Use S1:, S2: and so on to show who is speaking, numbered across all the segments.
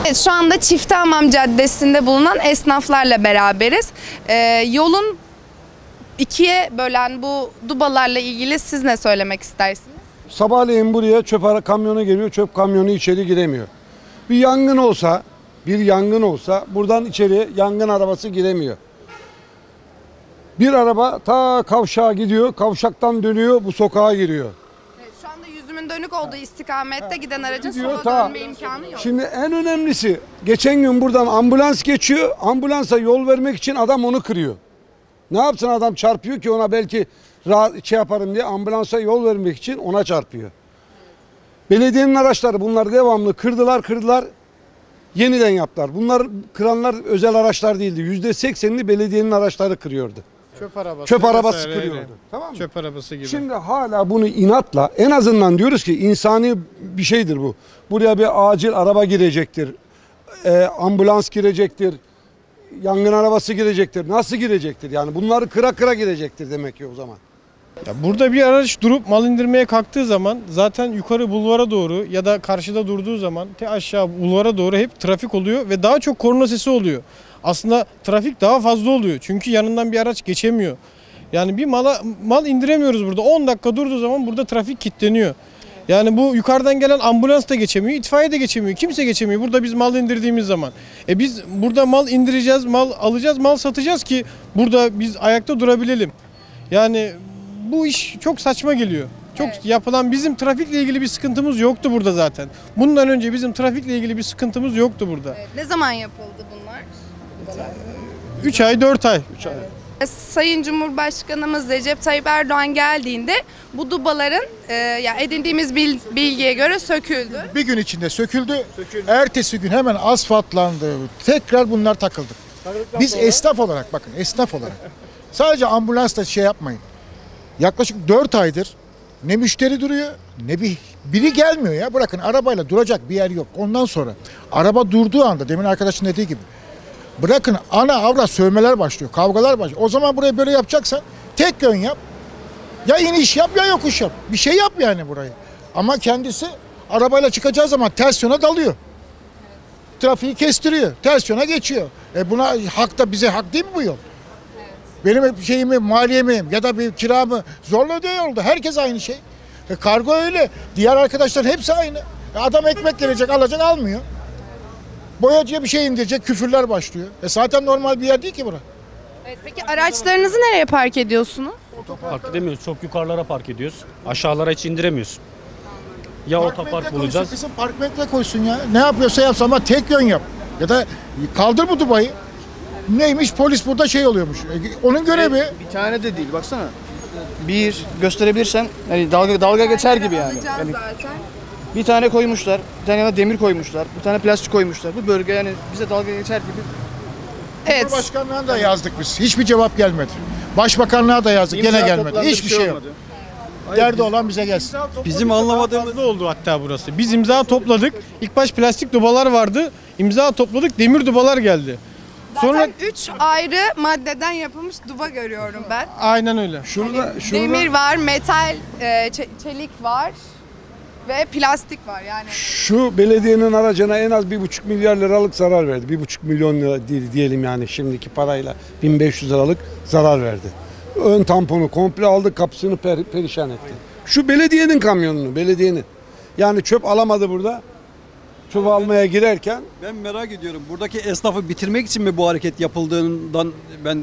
S1: Evet, şu anda Çiftehamam Caddesi'nde bulunan esnaflarla beraberiz. Yolun ikiye bölen bu dubalarla ilgili siz ne söylemek istersiniz?
S2: Sabahleyin buraya çöp kamyonu geliyor, çöp kamyonu içeri giremiyor. Bir yangın olsa buradan içeri yangın arabası giremiyor. Bir araba ta kavşağa gidiyor, kavşaktan dönüyor, bu sokağa giriyor.
S1: Evet, şu anda yüzümün dönük olduğu istikamette giden aracın
S2: Gidiyor,
S1: sola dönme imkanı yok.
S2: Şimdi en önemlisi, geçen gün buradan ambulans geçiyor, ambulansa yol vermek için adam onu kırıyor. Ne yapsın, adam çarpıyor ki ona, belki rahat yaparım diye ambulansa yol vermek için ona çarpıyor. Belediyenin araçları bunları devamlı kırdılar, yeniden yaptılar. Bunlar kıranlar özel araçlar değildi. %80'ini belediyenin araçları kırıyordu. Çöp arabası kırıyordu. Tamam mı?
S3: Çöp arabası gibi.
S2: Şimdi hala bunu inatla, en azından diyoruz ki insani bir şeydir bu. Buraya bir acil araba girecektir. Ambulans girecektir. Yangın arabası girecektir. Nasıl girecektir? Yani bunları kıra girecektir demek ki o zaman.
S3: Ya burada bir araç durup mal indirmeye kalktığı zaman zaten yukarı bulvara doğru ya da karşıda durduğu zaman aşağı bulvara doğru hep trafik oluyor ve daha çok korna sesi oluyor. Aslında trafik daha fazla oluyor çünkü yanından bir araç geçemiyor. Yani bir mal indiremiyoruz burada. 10 dakika durduğu zaman burada trafik kilitleniyor. Yani bu yukarıdan gelen ambulans da geçemiyor, itfaiye de geçemiyor, kimse geçemiyor burada biz mal indirdiğimiz zaman. Biz burada mal indireceğiz, mal alacağız, mal satacağız ki burada biz ayakta durabilelim. Yani bu iş çok saçma geliyor. Çok yapılan, bizim trafikle ilgili bir sıkıntımız yoktu burada zaten. Bundan önce bizim trafikle ilgili bir sıkıntımız yoktu burada.
S1: Evet, ne zaman yapıldı bunlar?
S3: 3 ay 4 ay.
S1: Sayın Cumhurbaşkanımız Recep Tayyip Erdoğan geldiğinde bu dubaların yani edindiğimiz bilgiye göre söküldü.
S4: Bir gün içinde söküldü. Ertesi gün hemen asfaltlandı. Tekrar bunlar takıldı. Biz esnaf olarak, bakın esnaf olarak sadece ambulansla şey yapmayın. Yaklaşık 4 aydır ne müşteri duruyor ne biri gelmiyor ya. Bırakın, arabayla duracak bir yer yok. Ondan sonra araba durduğu anda, demin arkadaşın dediği gibi, bırakın ana avrat sövmeler başlıyor, kavgalar başlıyor. O zaman burayı böyle yapacaksan tek yön yap. Ya iniş yap ya yokuş yap. Bir şey yap yani burayı. Ama kendisi arabayla çıkacağı zaman ters yöne dalıyor. Trafiği kestiriyor. Ters yöne geçiyor. Buna hak da, bize hak değil mi bu yol? Benim şeyimi, maliyemi ya da bir kiramı zorla ödüyor yolda. Herkes aynı şey. Kargo öyle. Diğer arkadaşlar hepsi aynı. Adam ekmek gelecek, alacak, almıyor. Boyacıya bir şey indirecek, küfürler başlıyor. Zaten normal bir yer değil ki bura.
S1: Evet, peki araçlarınızı nereye park ediyorsunuz?
S5: Park edemiyoruz. Çok yukarılara park ediyoruz. Aşağılara hiç indiremiyoruz. Ya otopark bulacağız.
S4: Kızım park metre koysun ya. Ne yapıyorsa yapsın ama tek yön yap. Ya da kaldır bu dubayı. Neymiş, polis burada şey oluyormuş. Onun görevi.
S6: Bir tane de değil, baksana. Bir gösterebilirsen hani dalga geçer gibi yani. Yani bir tane koymuşlar, bir tane yana demir koymuşlar, bir tane plastik koymuşlar. Bu bölge yani bize dalga geçer gibi.
S1: Evet.
S4: Cumhurbaşkanlığına da yazdık biz. Hiçbir cevap gelmedi. Başbakanlığa da yazdık. Gene gelmedi. Hiçbir şey yok. Derdi olan bize gelsin.
S3: Bizim anlamadığımız ne oldu hatta burası. Biz imza topladık. İlk baş plastik dubalar vardı. İmza topladık, demir dubalar geldi.
S1: Zaten 3 ayrı maddeden yapılmış duba görüyorum ben.
S3: Aynen öyle.
S2: Şurada
S1: Demir var, metal, çelik var ve plastik var yani.
S2: şu belediyenin aracına en az 1,5 milyar liralık zarar verdi. 1,5 milyon lira diyelim yani şimdiki parayla 1500 liralık zarar verdi. Ön tamponu komple aldı, kapısını perişan etti. Şu belediyenin kamyonunu, belediyenin. Yani çöp alamadı burada. Çöp almaya girerken.
S7: Ben merak ediyorum. Buradaki esnafı bitirmek için mi bu hareket yapıldığından ben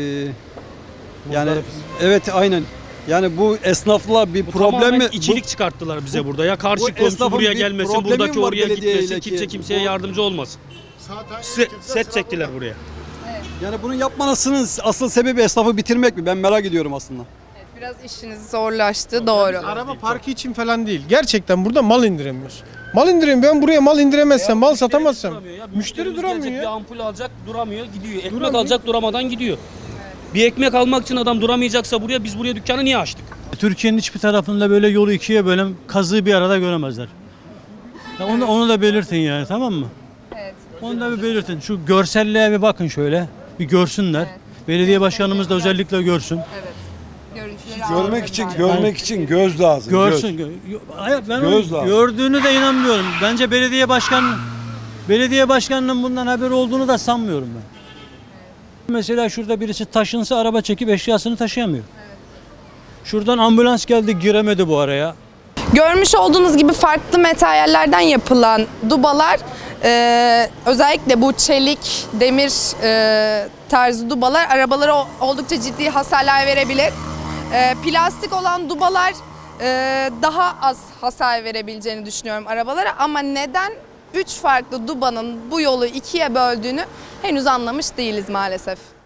S7: yani evet aynen. Yani bu esnafla bir problem mi?
S5: İçilik çıkarttılar bize burada. Ya karşı komşu
S7: esnafın
S5: buraya
S7: bir
S5: gelmesin,
S7: problemi
S5: buradaki
S7: var
S5: oraya
S7: belediyeyle
S5: gitmesin,
S7: ki.
S5: kimse kimseye yardımcı olmasın. Set çektiler buraya.
S7: Yani bunu yapmanızın asıl sebebi esnafı bitirmek mi? Ben merak ediyorum aslında.
S1: Evet, biraz işiniz zorlaştı, doğru.
S3: Araba parkı için falan değil. Gerçekten burada mal indiremiyoruz. Mal indiremiyorum. Ben buraya mal indiremezsem, mal satamazsam. Müşteri duramıyor
S5: Bir
S3: ya.
S5: ampul alacak, duramıyor, gidiyor. Ekmek alacak, duramadan gidiyor. Bir ekmek almak için adam duramayacaksa buraya, biz buraya dükkanı niye açtık?
S8: Türkiye'nin hiçbir tarafında böyle yolu ikiye bölen kazığı bir arada göremezler. Ya onu da belirtin yani, tamam mı?
S1: Evet.
S8: Onu da bir belirtin. Şu görselliğe bir bakın şöyle. Bir görsünler.
S1: Evet.
S8: Belediye başkanımız da özellikle görsün.
S1: Evet. Görüntüleri
S2: Görmek için göz lazım.
S8: Görsün. Hayır, ben
S2: Göz lazım.
S8: gördüğünü de inanmıyorum. Bence belediye başkanı Belediye başkanının bundan haberi olduğunu da sanmıyorum ben. Mesela şurada birisi taşınsa araba çekip eşyasını taşıyamıyor. Şuradan ambulans geldi, giremedi bu araya.
S1: Görmüş olduğunuz gibi farklı materyallerden yapılan dubalar, özellikle bu çelik, demir tarzı dubalar arabalara oldukça ciddi hasarlar verebilir. Plastik olan dubalar daha az hasar verebileceğini düşünüyorum arabalara, ama neden 3 farklı dubanın bu yolu ikiye böldüğünü henüz anlamış değiliz maalesef.